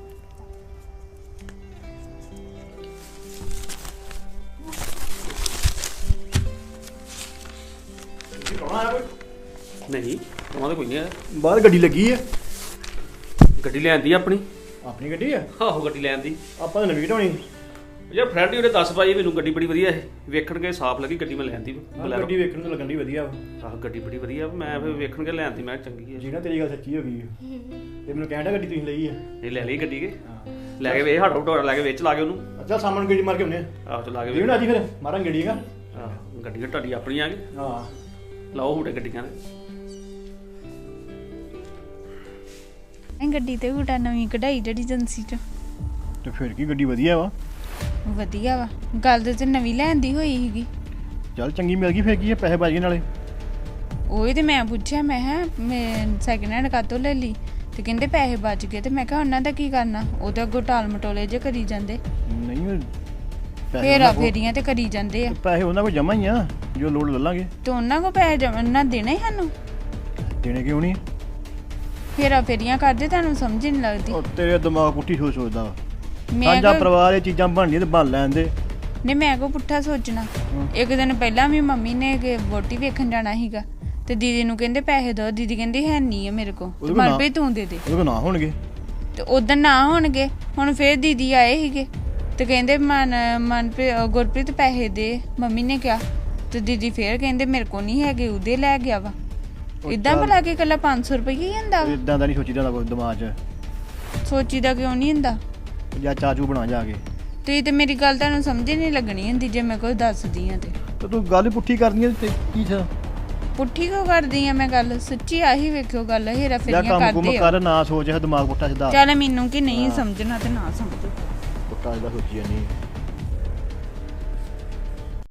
ਪ੍ਰਾਹੁਣਾ ਆਇਆ ਕੋਈ?
ਨਹੀਂ ਉਹਨਾਂ ਦਾ ਕੋਈ ਨਹੀਂ ਆਇਆ।
ਬਾਹਰ ਗੱਡੀ ਲੱਗੀ ਆ।
ਗੱਡੀ ਲੈਂਦੀ ਆਪਣੀ।
ਆਪਣੀ ਗੱਡੀ ਆ?
ਆਹੋ ਗੱਡੀ ਲੈਂਦੀ।
ਆਪਾਂ ਤਾਂ ਨਵੀਂ ਕਢਾਉਣੀ।
ਯਾਰ ਫਰੈਂਡ ਹੀ ਉਹਨੇ ਦੱਸ ਪਾਈ ਮੈਨੂੰ, ਗੱਡੀ ਬੜੀ ਵਧੀਆ ਹੈ, ਵੇਖਣ ਕੇ ਸਾਫ਼ ਲੱਗੀ ਗੱਡੀ, ਮੈਂ ਲੈਂਦੀ।
ਗੱਡੀ ਵੇਖਣ ਨੂੰ ਲੱਗਣ ਦੀ ਵਧੀਆ ਵਾ।
ਆਹ ਗੱਡੀ ਬੜੀ ਵਧੀਆ, ਮੈਂ ਫਿਰ ਵੇਖਣ ਕੇ ਲੈਂਦੀ, ਮੈਂ ਚੰਗੀ ਹੈ
ਜੀ ਨਾ, ਤੇਰੀ ਗੱਲ ਸੱਚੀ ਹੋ ਗਈ ਤੇ ਮੈਨੂੰ ਕਹਿਣ ਡਿਆ ਗੱਡੀ ਤੁਸੀਂ ਲਈ ਆ।
ਨਹੀਂ ਲੈ ਲਈ ਗੱਡੀ ਕੇ, ਲੈ ਕੇ ਵੇ ਹੱਟ ਹਟੋਰਾ ਲੈ ਕੇ ਵਿੱਚ ਲਾ ਕੇ ਉਹਨੂੰ।
ਅੱਛਾ ਸਾਹਮਣੇ ਗੱਡੀ ਮਾਰ ਕੇ ਆਉਂਦੇ ਆ।
ਆਹੋ ਚਲਾ ਕੇ
ਜੀ ਨਾ, ਅੱਜ ਫਿਰ ਮਾਰਾਂਗੇ ਗੱਡੀ ਹੈਗਾ।
ਆਹ ਗੱਡੀ ਤੁਹਾਡੀ ਆਪਣੀ ਆ ਗਈ।
ਹਾਂ
ਲਾਓ ਹੂਟੇ ਗੱਡੀਆਂ ਦੇ।
ਇਹ ਗੱਡੀ ਤੇ ਹੂਟਾ ਨਵੀਂ ਕਢਾਈ ਜਿਹੜੀ ਏਜੰਸੀ ਚ।
ਤੇ ਫਿਰ ਕੀ, ਗੱਡੀ ਵਧੀਆ ਵਾ।
ਵਧੀਆ ਵਾ, ਗੱਲ ਤੇ ਨਵੀਂ ਲੈਂਦੀ ਹੋਈ ਸੀਗੀ।
ਚੱਲ ਚੰਗੀ ਮਿਲ ਗਈ, ਫਿਰ ਕੀ ਹੈ, ਪੈਸੇ ਬਚ ਗਏ ਨਾਲੇ।
ਉਹੀ ਤੇ ਮੈਂ ਪੁੱਛਿਆ, ਮੈਂ ਹਾਂ ਮੈਂ ਸੈਕਿੰਡ ਹੈਂਡ ਕਾਤੋਂ ਲੈ ਲਈ, ਤੇ ਕਹਿੰਦੇ ਪੈਸੇ ਬਚ ਗਏ। ਤੇ ਮੈਂ ਕਿਹਾ ਉਹਨਾਂ ਦਾ ਕੀ ਕਰਨਾ, ਉਹ ਤਾਂ ਅੱਗੋਂ ਟਾਲ ਮਟੋਲੇ ਜੇ ਕਰੀ ਜਾਂਦੇ,
ਨਹੀਂ
ਫੇਰਾ ਫੇਰੀਆਂ ਤੇ ਕਰੀ ਜਾਂਦੇ ਆ।
ਪੈਸੇ ਉਹਨਾਂ ਕੋਲ ਜਮਾ ਹੀ ਆ, ਜੋ ਲੋੜ ਲੈ ਲਾਂਗੇ।
ਤੇ ਉਹਨਾਂ ਕੋ ਪੈਸੇ ਜਮਾ ਨਾ ਦੇਣੇ ਸਾਨੂੰ,
ਦੇਣੇ ਕਿਉਂ ਨਹੀਂ?
ਫੇਰਾ ਫੇਰੀਆਂ ਕਰਦੇ, ਤੁਹਾਨੂੰ ਸਮਝ ਨਹੀਂ ਲੱਗਦੀ।
ਉਹ ਤੇਰੇ ਦਿਮਾਗ ਪੁੱਠੀ ਸੋਚ ਸੋਚਦਾ ਵਾ।
ਮੈਂ
ਸਾਂਝਾ
ਕੋ
ਪਰਿਵਾਰ ਇਹ ਚੀਜ਼ਾਂ ਬਣਦੀਆਂ ਤੇ ਬਣ ਲੈਂਦੇ।
ਨਹੀਂ ਮੈਂ ਕੋ ਪੁੱਠਾ ਸੋਚਣਾ। ਇੱਕ ਦਿਨ ਪਹਿਲਾਂ ਵੀ ਮੰਮੀ ਨੇ ਕਿ ਵੋਟੀ ਵੇਖਣ ਜਾਣਾ ਸੀਗਾ, ਤੇ ਦੀਦੀ ਨੂੰ ਕਹਿੰਦੇ ਪੈਸੇ ਦੋ, ਦੀਦੀ ਕਹਿੰਦੀ ਹੈ ਨਹੀਂ ਆ ਮੇਰੇ ਕੋ, ਮਨਪ੍ਰੀਤ ਤੂੰ ਦੇ ਦੇ।
ਉਹਦੇ ਕੋਲ ਨਾ ਹੋਣਗੇ
ਤੇ ਉਦੋਂ ਨਾ ਹੋਣਗੇ, ਹੁਣ ਫੇਰ ਦੀਦੀ ਆਏ ਸੀਗੇ ਤੇ ਕਹਿੰਦੇ ਮਨ ਮਨਪ੍ਰੀਤ ਗੁਰਪ੍ਰੀਤ ਪੈਸੇ ਦੇ, ਮੰਮੀ ਨੇ ਕਿਹਾ। ਤੇ ਦੀਦੀ ਫੇਰ ਕਹਿੰਦੇ ਮੇਰੇ ਕੋ ਨਹੀਂ ਹੈਗੇ, ਉਹਦੇ ਲੈ ਗਿਆ ਵਾ। ਇਦਾਂ ਭਲਾ ਕੇ ਇਕੱਲਾ ਪੰਜ ਸੌ ਰੁਪਏ ਹੀ ਹੁੰਦਾ ਵਾ?
ਇਦਾਂ ਦਾ ਨਹੀਂ ਸੋਚੀਦਾ ਹੁੰਦਾ ਦਿਮਾਗ 'ਚ।
ਸੋਚੀਦਾ ਕਿਉਂ ਨਹੀਂ ਹੁੰਦਾ?
ਜਾਂ ਚਾਚੂ ਬਣਾ ਜਾ ਕੇ।
ਤੁਸੀਂ ਤੇ ਮੇਰੀ ਗੱਲ ਤੁਹਾਨੂੰ ਸਮਝ ਹੀ ਨਹੀਂ ਲੱਗਣੀ ਹੁੰਦੀ ਜੇ ਮੈਂ ਕੋਈ ਦੱਸਦੀ ਆ ਤੇ।
ਤੇ ਤੂੰ ਗੱਲ ਪੁੱਠੀ ਕਰਦੀ ਆ ਤੇ ਕੀ ਥਾ?
ਪੁੱਠੀ ਕਿਉਂ ਕਰਦੀ ਆ ਮੈਂ ਗੱਲ? ਸੱਚੀ ਆਹੀ ਵੇਖਿਓ ਗੱਲ, ਹੇਰਾ
ਜਾਂ
ਫੇਰੀਆਂ
ਕੰਮ ਕੁਮ
ਕਰਦੇ ਆ।
ਕਰ, ਨਾ ਸੋਚ, ਦਿਮਾਗ ਪੁੱਠਾ ਸਿੱਧਾ।
ਚੱਲ ਮੈਨੂੰ ਕਿ ਨਹੀਂ ਸਮਝਣਾ ਤੇ ਨਾ ਸਮਝੋ।
ਪੁੱਠਾ ਸਿੱਧਾ ਸੋਚੀ ਜਾਨੀ।